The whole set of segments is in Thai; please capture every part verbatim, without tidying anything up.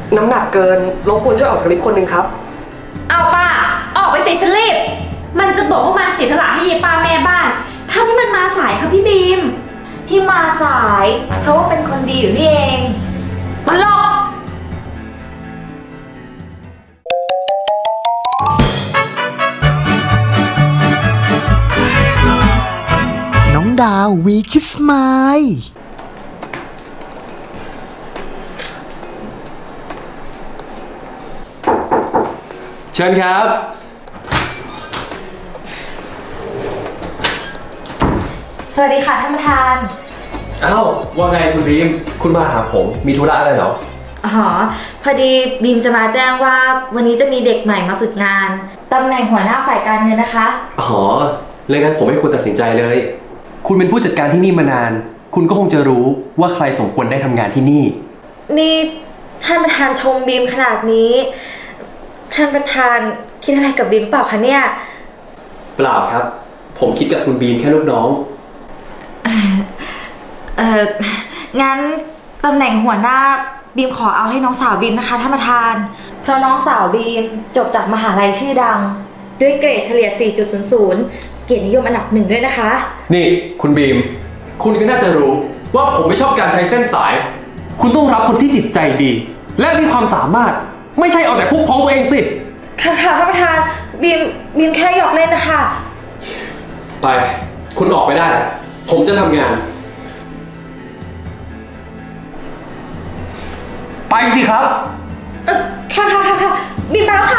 น้ำหนักเกินรบกวนช่วยออกจากลิฟต์คนหนึ่งครับเอาป้าออกไปสิฉันรีบมันจะบอกว่ามาเสียสละให้ยายป้าแม่บ้านถ้าที่มันมาสายค่ะพี่บีมที่มาสายเพราะว่าเป็นคนดีอยู่นี่เองตลกน้องดาววีคิสไมล์เชิญครับสวัสดีค่ะท่านประธานอ้าวว่าไงคุณบีมคุณมาหาผมมีธุระอะไรเหรออ๋อพอดีบีมจะมาแจ้งว่าวันนี้จะมีเด็กใหม่มาฝึกงานตำแหน่งหัวหน้าฝ่ายการเงินนะคะอ๋อเรื่องนั้นผมให้คุณตัดสินใจเลยคุณเป็นผู้จัดการที่นี่มานานคุณก็คงจะรู้ว่าใครสมควรได้ทำงานที่นี่นี่ท่านประธานชมบีมขนาดนี้ท่านประธานคิดอะไรกับบีมเปล่าคะเนี่ยเปล่าครับผมคิดกับคุณบีมแค่ลูกน้องเอองั้นตำแหน่งหัวหน้าบีมขอเอาให้น้องสาวบีมนะคะท่านประธานเพราะน้องสาวบีมจบจากมหาลัยชื่อดังด้วยเกรดเฉลี่ย สี่จุดศูนย์ศูนย์ เกียรตินิยมอันดับหนึ่งด้วยนะคะนี่คุณบีมคุณก็น่าจะรู้ว่าผมไม่ชอบการใช้เส้นสายคุณต้องรับคนที่จิตใจดีและมีความสามารถไม่ใช่เอาแต่พุกพ้องตัวเองสิค่ะค่ะท่านประธานบีมบีมแค่หยอกเล่นนะคะไปคุณออกไปได้ผมจะทำงานไปสิครับเออค่ะค่ะค่ะค่ะบีมไปแล้วค่ะ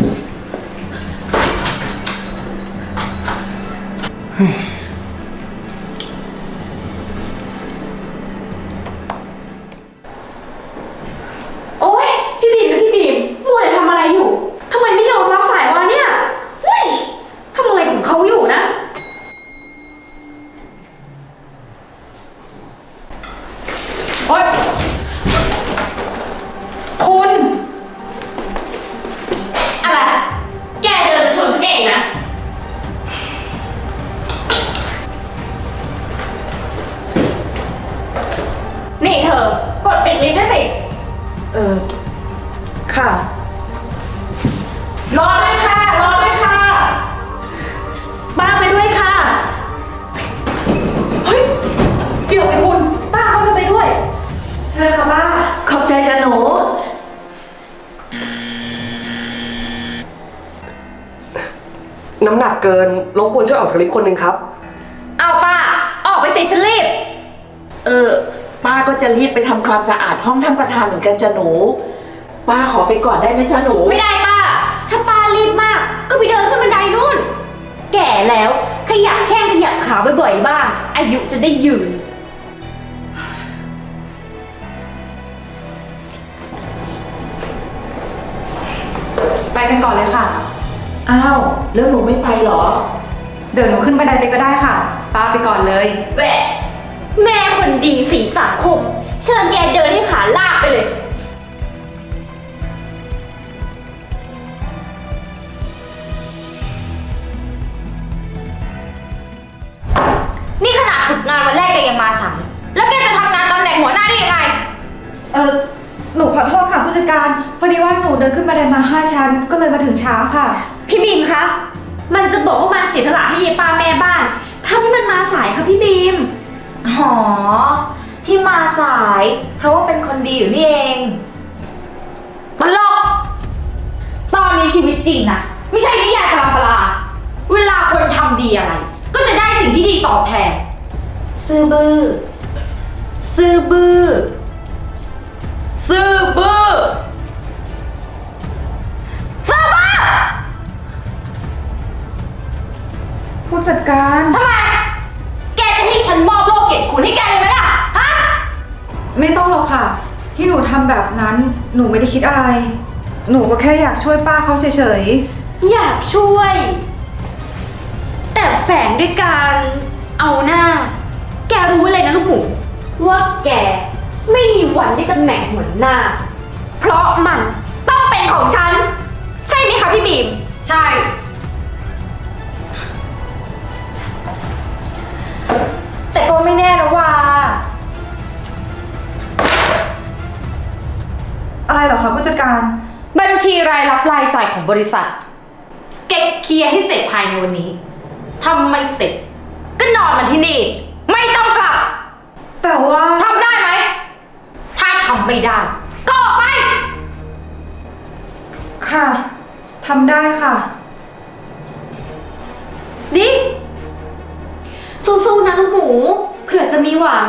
โอ๊ยพี่บีมพี่บีมมัวแต่ทำอะไรอยู่ทำไมไม่ยอมรับสายวะเนี่ยเฮ้ยทำอะไรของเขาอยู่นะโอ๊ยคุณอะไรแกเดินมาชนฉันเองนะนี่เธอกดปิดลิฟต์ด้วยสิเออค่ะรอด้วยค่ะรอด้วยค่ะป้าไปด้วยค่ะเฮ้ยเดี๋ยวไอ้คุณป้าเขาจะไปด้วยเชิญค่ะป้าขอบใจจ้ะหนูน้ำหนักเกินรบกวนช่วยออกจากลิฟต์คนหนึ่งครับเอาป้าออกไปสิฉันรีบเออป้าก็จะรีบไปทำความสะอาดห้องท่านประธานเหมือนกันจ้ะหนูป้าขอไปก่อนได้ไหมจ้ะหนูไม่ได้ป้าถ้าป้ารีบมากก็ไปเดินขึ้นบันไดนู่นแก่แล้วขยับแข้งขยับขาบ่อยๆบ้างอายุจะได้ยืนไปกันก่อนเลยค่ะอ้าวแล้วหนูไม่ไปเหรอเดี๋ยวหนูขึ้นบันไดไปก็ได้ค่ะป้าไปก่อนเลยแหวะแม่คนดีสีสังคมเชิญแกเดินให้ขาลากไปเลยนี่ขนาดฝึกงานวันแรกแกยังมาสายแล้วแกจะทำงานตำแหน่งหัวหน้าได้ยังไงเออหนูขอโทษค่ะผู้จัดการพอดีว่าหนูเดินขึ้นบันไดมาห้าชั้นก็เลยมาถึงช้าค่ะพี่บีมคะมันจะบอกว่ามาเสียสละให้ยายป้าแม่บ้านถ้าที่มันมาสายค่ะพี่บีมอ๋อที่มาสายเพราะว่าเป็นคนดีอยู่นี่เองตลกตอนนี้ชีวิตจริงนะไม่ใช่นิยายตำราเวลาคนทำดีอะไรก็จะได้สิ่งที่ดีตอบแทนซื่อบื้อซื่อบื้อซื่อบื้อซื่อบื้อผู้จัดการทำไมแกจะให้ฉันมอบโลกเกียรติคุณให้แกเลยไหมล่ะฮะไม่ต้องหรอกค่ะที่หนูทำแบบนั้นหนูไม่ได้คิดอะไรหนูก็แค่อยากช่วยป้าเขาเฉยๆอยากช่วยแต่แฝงด้วยการเอาหน้าแกรู้เลยนะลูกหมูว่าแกไม่มีวันได้ตำแหน่งหัวหน้าเพราะมันต้องเป็นของฉันใช่ไหมคะพี่บีมใช่แต่ก็ไม่แน่นะว่าออะไรเหรอคะผู้จัดการบัญชีรายรับรายจ่ายของบริษัท เก็บเคลียร์ให้เสร็จภายในวันนี้ทำไม่เสร็จ ก็นอนมันที่นี่ ไม่ต้องกลับแต่ว่าทำได้ไหม ถ้าทำไม่ได้ ก็ออกไปค่ะทำได้ค่ะดิ สู้ๆนะลูกหมู เผื่อจะมีหวัง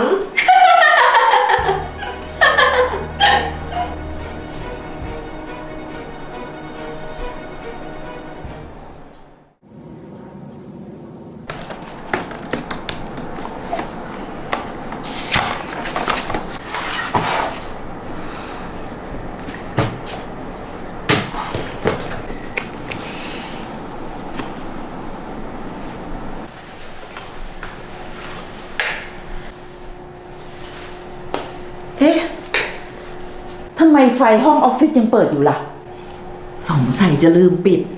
เอ๊ะ ทำไมไฟห้องออฟฟิศยังเปิดอยู่ล่ะ สงสัยจะลืมปิด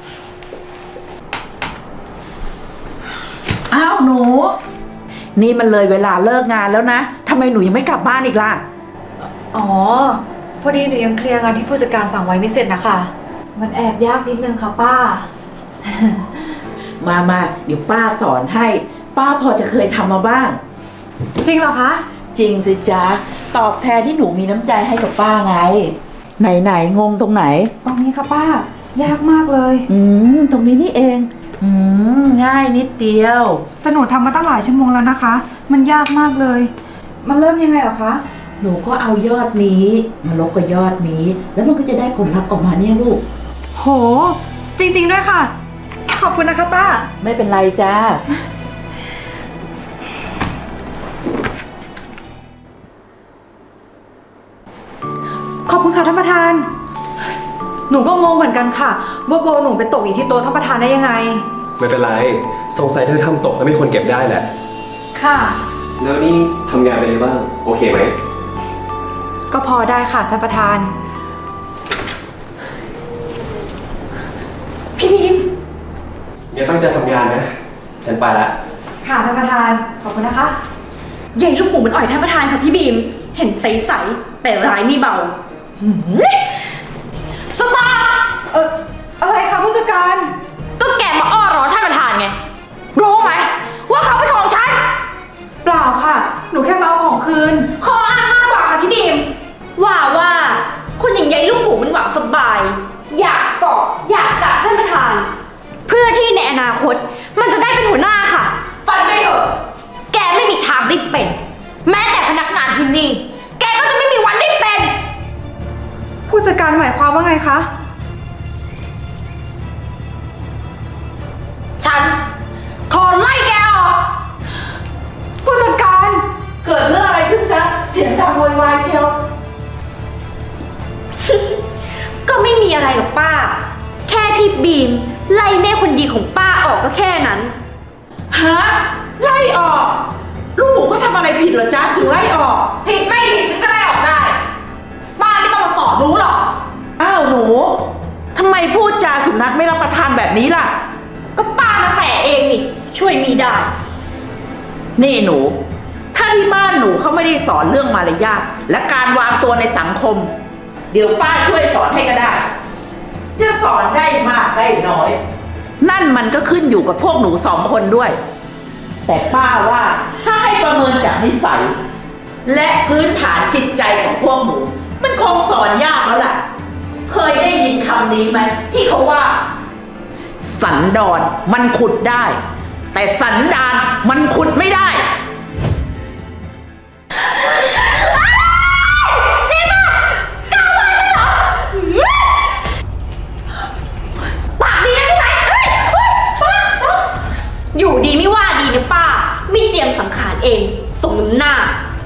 อ้าวหนู นี่มันเลยเวลาเลิกงานแล้วนะ ทำไมหนูยังไม่กลับบ้านอีกล่ะอ๋อ พอดีหนูยังเคลียร์งานที่ผู้จัดการสั่งไว้ไม่เสร็จนะคะ มันแอบยากนิดนึงค่ะป้ามามาเดี๋ยวป้าสอนให้ ป้าพอจะเคยทำมาบ้างจริงเหรอคะจริงสิจ๊ะ ตอบแทนที่หนูมีน้ำใจให้กับป้าไง ไหนไหนงงตรงไหนตรงนี้ค่ะป้า ยากมากเลยอืม ตรงนี้นี่เอง อืม ง่ายนิดเดียวแต่หนูทำมาตั้งหลายชั่วโมงแล้วนะคะ มันยากมากเลย มันเริ่มยังไงเหรอคะหนูก็เอายอดนี้มาลบกับยอดนี้ แล้วมันก็จะได้ผลลัพธ์ออกมาเนี่ยลูกโห จริงๆด้วยค่ะ ขอบคุณนะคะป้าไม่เป็นไรจ้าขอบคุณค่ะท่านประธาน หนูก็งงเหมือนกันค่ะว่าโบหนูไปตกอยู่ที่โต๊ะท่านประธานได้ยังไงไม่เป็นไร สงสัยเธอทำตกแล้วมีคนเก็บได้แหละค่ะแล้วนี่ทำงานไปเลยบ้าง โอเคไหมก็พอได้ค่ะท่านประธาน พี่พิมเนี่ยตั้งใจทำงานนะ ฉันไปละค่ะท่านประธาน ขอบคุณนะคะใหญ่ลูกหมูมันอ่อยท่านประธานค่ะพี่บีม เห็นใสๆแต่ร้ายไม่เบาสตาร์เอออะไรคะผู้จัดการก็แกมาอ้อร้อนท่านประธานไง รู้ไหม ว่าเขาเป็นของฉันเปล่าค่ะ หนูแค่มาเอาของคืนขออ้างมากกว่าค่ะพี่บีม ว่าว่าคนอย่างใหญ่ลูกหมูมันหวังสบาย อยากเกาะอยากจับท่านประธาน เพื่อที่ในอนาคตมันจะได้เป็นหัวหน้าค่ะฟันไปเถอะ แกไม่มีทางได้เป็น แม้แต่พนักงานที่นี่ แกก็จะไม่มีวันได้เป็นผู้จัดการหมายความว่าไงคะฉันขอไล่แกออกผู้จัดการเกิดเรื่องอะไรขึ้นจ๊ะ เสียงดังโวยวายเชียวก็ไม่มีอะไรหรอกป้า แค่พี่บีม ไล่แม่คนดีของป้าออกก็แค่นั้นฮะ ไล่ออก ลูกหมูเขาทำอะไรผิดเหรอจ๊ะ ถึงไล่ออกผิดไม่ผิดฉันก็ไล่ออกได้ ป้าไม่ต้องมาสอนรู้หรอกอ้าวหนู ทำไมพูดจาสุนัขไม่รับประทานแบบนี้ล่ะก็ป้ามาแสเองนี่ ช่วยมีได้นี่หนู ถ้าที่บ้านหนูเขาไม่ได้สอนเรื่องมารยาทและการวางตัวในสังคม เดี๋ยวป้าช่วยสอนให้ก็ได้ จะสอนได้มากได้น้อย นั่นมันก็ขึ้นอยู่กับพวกหนูสองคนด้วย แต่ป้าว่าถ้าให้ประเมินจากนิสัย และพื้นฐานจิตใจของพวกหนู มันคงสอนยากแล้วล่ะ เคยได้ยินคำนี้ไหมที่เขาว่า สันดอนมันขุดได้ แต่สันดานมันขุดไม่ได้ปากดีนะใช่ไหมเฮ้ยเฮ้ยป้าป้าอยู่ดีไม่ว่าดีนะป้า ไม่เจียมสังขารเองสมน้ำหน้า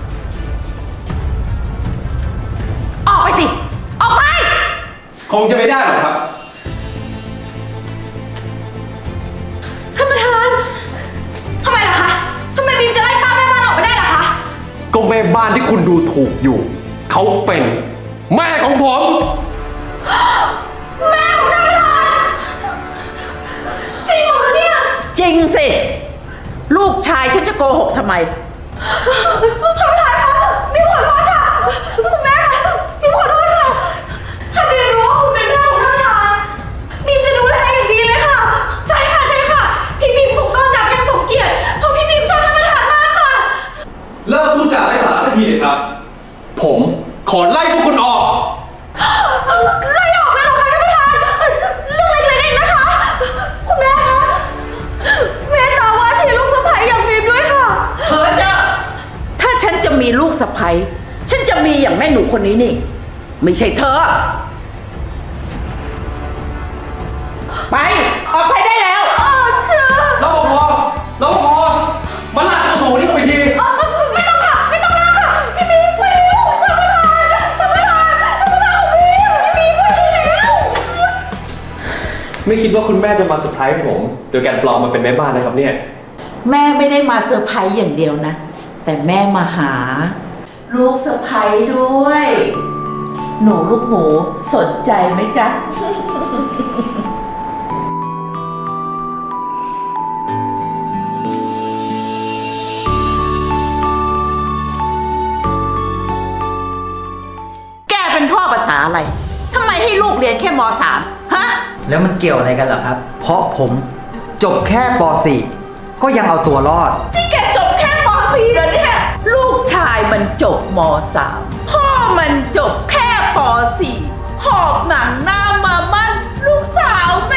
ออกไปสิ ออกไปคงจะไม่ได้หรอกครับท่านประธาน ทำไมล่ะคะ ทำไมบีมจะไล่ป้าแม่บ้านออกไม่ได้ล่ะคะก็แม่บ้านที่คุณดูถูกอยู่ เขาเป็น แม่ของผมจริงสิ ลูกชายฉันจะโกหกทำไมท่านประธานคะบีมขอโทษค่ะ คุณแม่คะบีมขอโทษค่ะครับ ผมขอไล่พวกคุณออกไล่ออกเลยเหรอคะท่านประธานเรื่องเล็กๆเองนะคะ คุณแม่คะแม่ตาว่าที่ลูกสะใภ้อย่างบีมด้วยค่ะเฮ้อเจ้าถ้าฉันจะมีลูกสะใภ้ฉันจะมีอย่างแม่หนูคนนี้นี่ ไม่ใช่เธอ ไป ออกไปได้แล้วรปภรปภมาลากตัวโสนี่ออกไปทีไม่ต้องค่ะ ไม่ต้องลากค่ะ พี่บีมไม่รู้ท่านประธานท่านประธานท่านประธานของบีมพี่บีมไม่ดีแล้วไม่คิดว่าคุณแม่จะมาเซอร์ไพรส์ผม โดยการปลอมมาเป็นแม่บ้านนะครับเนี่ยแม่ไม่ได้มาเซอร์ไพรส์อย่างเดียวนะ แต่แม่มาหา ลูกเซอร์ไพรส์ด้วย หนูลูกหมูสนใจไหมจ๊ะ แกเป็นพ่อภาษาอะไร ทำไมให้ลูกเรียนแค่ม .สาม ฮะแล้วมันเกี่ยวอะไรกันเหรอครับ เพราะผมจบแค่ป .สี่ ก็ยังเอาตัวรอดนี่แกจบแค่ม .สี่ แล้วเนี่ย ลูกชายมันจบม .สาม พ่อมันจบแค่ป .สี่ หอบหนังหน้ามามั่นลูกสาวแม่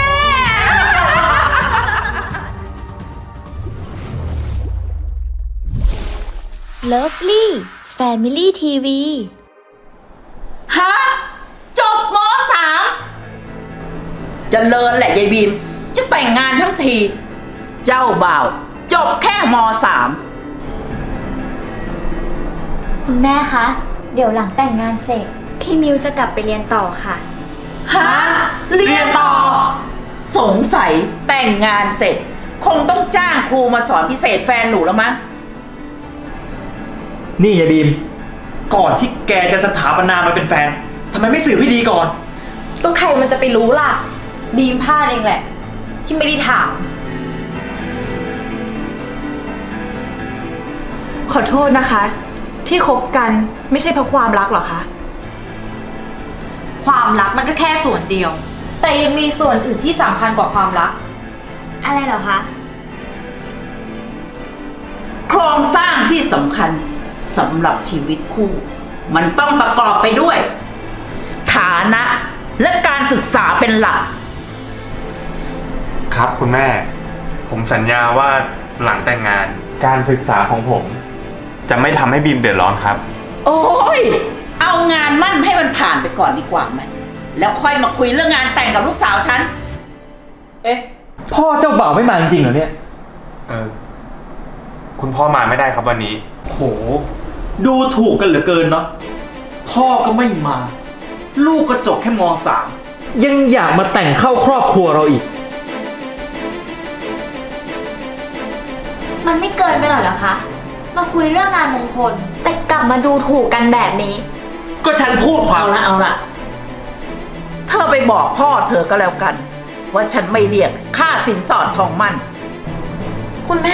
Lovely Family ที วีฮะ จบม .สาม เจริญแหละยายบีม จะแต่งงานทั้งที เจ้าบ่าว จบแค่ม .สามคุณแม่คะ เดี๋ยวหลังแต่งงานเสร็จ พี่มิวจะกลับไปเรียนต่อค่ะฮะ เรียนต่อ สงสัยแต่งงานเสร็จ คงต้องจ้างครูมาสอนพิเศษแฟนหนูแล้วมั้งนี่ยายบีม ก่อนที่แกจะสถาปนามาเป็นแฟนทำไมไม่สื่อพี่ดีก่อนก็ใครมันจะไปรู้ล่ะ บีมพลาดเองแหละ ที่ไม่ได้ถามขอโทษนะคะ ที่คบกันไม่ใช่เพราะความรักหรอคะความรักมันก็แค่ส่วนเดียว แต่ยังมีส่วนอื่นที่สำคัญกว่าความรักอะไรเหรอคะโครงสร้างที่สำคัญสำหรับชีวิตคู่ มันต้องประกอบไปด้วย ฐานะและการศึกษาเป็นหลักครับคุณแม่ ผมสัญญาว่าหลังแต่งงานการศึกษาของผม จะไม่ทำให้บีมเดือดร้อนครับโอ้ย เอางานมั่นให้มันผ่านไปก่อนดีกว่าไหม แล้วค่อยมาคุยเรื่องงานแต่งกับลูกสาวฉันเอ๊ะ พ่อเจ้าบ่าวไม่มาจริงๆเหรอเนี่ยเออคุณพ่อมาไม่ได้ครับวันนี้โห ดูถูกกันเหลือเกินเนาะ พ่อก็ไม่มา ลูกก็จบแค่ม .สาม ยังอยากมาแต่งเข้าครอบครัวเราอีกมันไม่เกินไปหน่อยเหรอคะ มาคุยเรื่องงานมงคล แต่กลับมาดูถูกกันแบบนี้ก็ฉันพูดความเอาละเอาละเธอไปบอกพ่อเธอก็แล้วกัน ว่าฉันไม่เรียกค่าสินสอดทองมั่นคุณแม่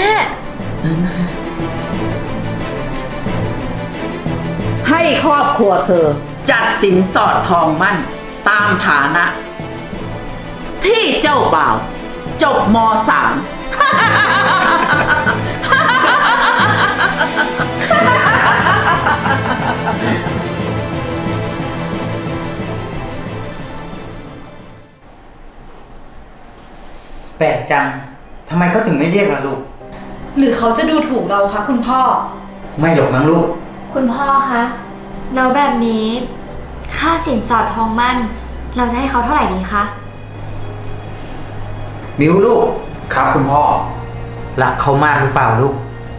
ให้ครอบครัวเธอจัดสินสอดทองมั่นตามฐานะ ที่เจ้าบ่าว จบม .สามแปลกจัง ทำไมเขาถึงไม่เรียกล่ะลูกหรือเขาจะดูถูกเราคะคุณพ่อไม่หรอกมั้งลูกคุณพ่อคะแล้วแบบนี้ ค่าสินสอดทองมั่น เราจะให้เขาเท่าไหร่ดีคะมิวลูกครับคุณพ่อรักเขามากหรือเปล่าลูก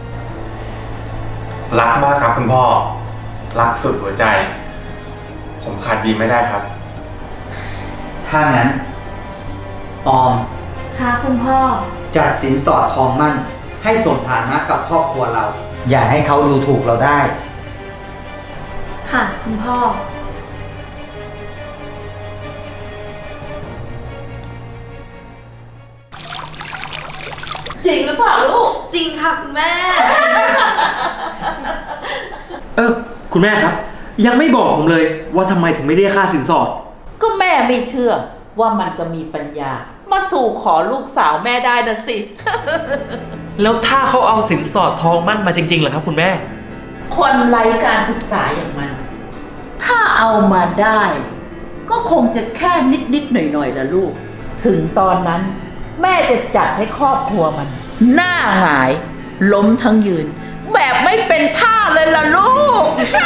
รักมากครับคุณพ่อ รักสุดหัวใจ ผมขาดบีมไม่ได้ครับถ้างั้น ออมค่ะคุณพ่อจัดสินสอดทองมั่น ให้สมฐานะกับครอบครัวเรา อย่าให้เขาดูถูกเราได้ค่ะคุณพ่อจริงหรือเปล่าลูก จริงค่ะคุณแม่เออ คุณแม่ครับ ยังไม่บอกผมเลยว่าทำไมถึงไม่เรียกค่าสินสอดก็แม่ไม่เชื่อว่ามันจะมีปัญญา มาสู่ขอลูกสาวแม่ได้นะสิแล้วถ้าเขาเอาสินสอดทองมั่นมาจริงๆเหรอครับคุณแม่คนไร้การศึกษาอย่างมัน ถ้าเอามาได้ ก็คงจะแค่นิดๆหน่อยๆละลูก ถึงตอนนั้น แม่จะจัดให้ครอบครัวมัน หน้าหงาย ล้มทั้งยืน แบบไม่เป็นท่าเลยล่ะลูก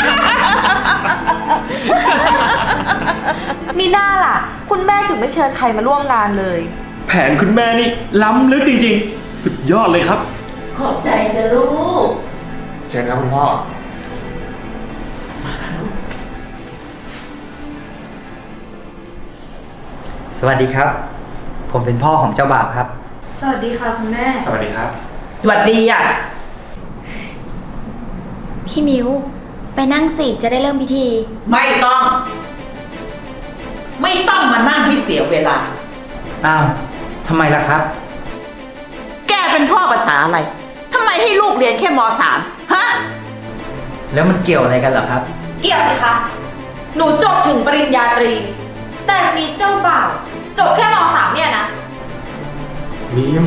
มีหน้าล่ะ คุณแม่ถึงไม่เชิญใครมาร่วมงานเลยแผนคุณแม่นี่ล้ำลึกจริงๆ สุดยอดเลยครับขอบใจจะลูกเชิญครับคุณพ่อสวัสดีครับ ผมเป็นพ่อของเจ้าบ่าวครับสวัสดีค่ะคุณแม่สวัสดีครับสวัสดีอ่ะพี่มิวไปนั่งสิจะได้เริ่มพิธีไม่ต้อง ไม่ต้องมานั่งให้เสียเวลาอ้าวทำไมล่ะครับแกเป็นพ่อภาษาอะไร ทำไมให้ลูกเรียนแค่มสามฮะแล้วมันเกี่ยวอะไรกันเหรอครับเกี่ยวสิคะ หนูจบถึงปริญญาตรี แต่มีเจ้าบ่าวจบแค่มสามเนี่ยนะบีม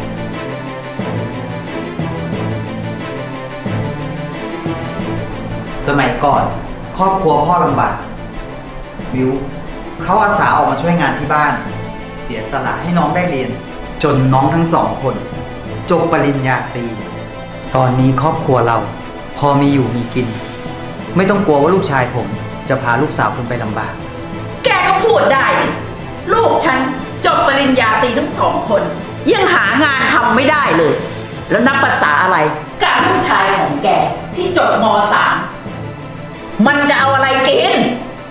สมัยก่อน ครอบครัวพ่อลำบากวิวเขาอาสาออกมาช่วยงานที่บ้าน เสียสละให้น้องได้เรียน จนน้องทั้งสองคน จบปริญญาตรี ตอนนี้ครอบครัวเรา พอมีอยู่มีกิน ไม่ต้องกลัวว่าลูกชายผม จะพาลูกสาวคุณไปลำบากแกก็พูดได้นี่ลูกฉันจบปริญญาตรีทั้งสองคน ยังหางานทำไม่ได้เลย แล้วนับภาษาอะไรกับลูกชายของแกที่จบมสามมันจะเอาอะไรกิน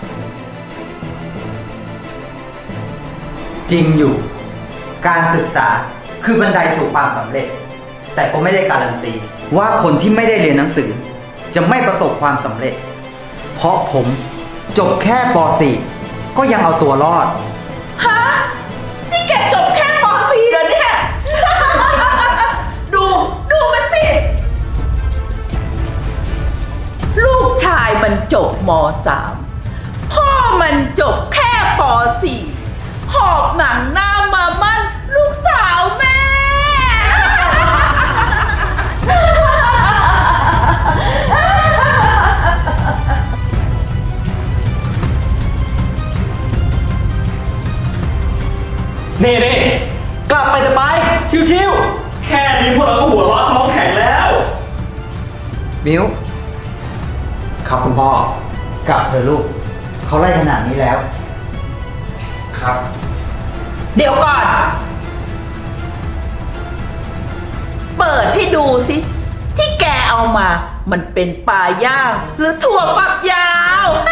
จริงอยู่ การศึกษาคือบันไดสู่ความสำเร็จ แต่ก็ไม่ได้การันตี ว่าคนที่ไม่ได้เรียนหนังสือ จะไม่ประสบความสำเร็จ เพราะผมจบแค่ป .สี่ ก็ยังเอาตัวรอดฮะ นี่แกจบแค่ป .สี่ เหรอเนี่ย ดู ดูมันสิ ลูกชายมันจบม .สาม พ่อมันจบแค่ป .สี่ หอบหนังหน้ามามั่นลูกสาวแม่เน่เน่กลับไปจะไป ชิวๆ แค่นี้พวกเราก็หัวเราะท้องแข็งแล้วมิวครับคุณพ่อกลับเถอะลูก เขาไล่ขนาดนี้แล้วครับเดี๋ยวก่อน เปิดให้ดูสิ ที่แกเอามา มันเป็นปลาย่าง หรือถั่วฝักยาว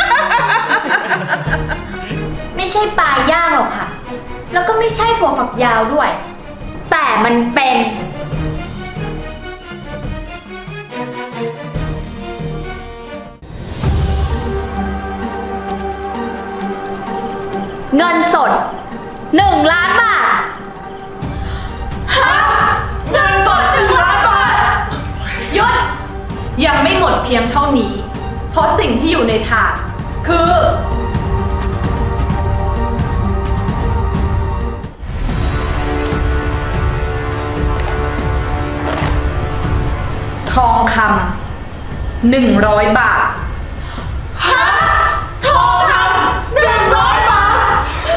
ไม่ใช่ปลาย่างหรอกค่ะ แล้วก็ไม่ใช่ถั่วฝักยาวด้วย แต่มันเป็น เงินสดหนึ่งล้านบาทเงินสดหนึ่งล้านบาทหยุด ยังไม่หมดเพียงเท่านี้ เพราะสิ่งที่อยู่ในถาดคือ ทองคำหนึ่งร้อยบาททองคำหนึ่งร้อยบาท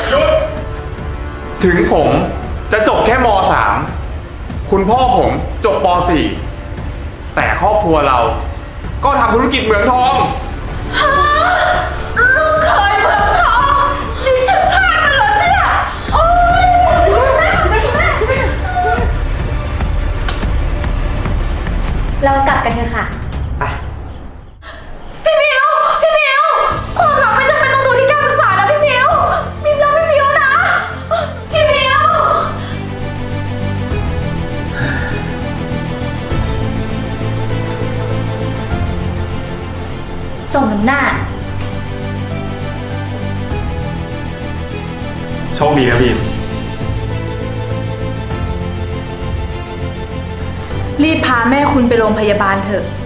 ถึงผมจะจบแค่ม .สาม คุณพ่อผมจบป .สี่ แต่ครอบครัวเรา ก็ทำธุรกิจเหมืองทองลูกเคยเมืองทอง นี่ฉันพลาดไปเหรอเนี่ย โอ๊ยเรากลับกันเถอะค่ะไปพี่มิว พี่มิว ความรักไม่จำเป็นต้องดูที่การศึกษานะพี่มิวมิวรักพี่มิวนะ พี่มิว ส่งน้ำหน้าโชคดีนะบีมรีบพาแม่คุณไปโรงพยาบาลเถอะ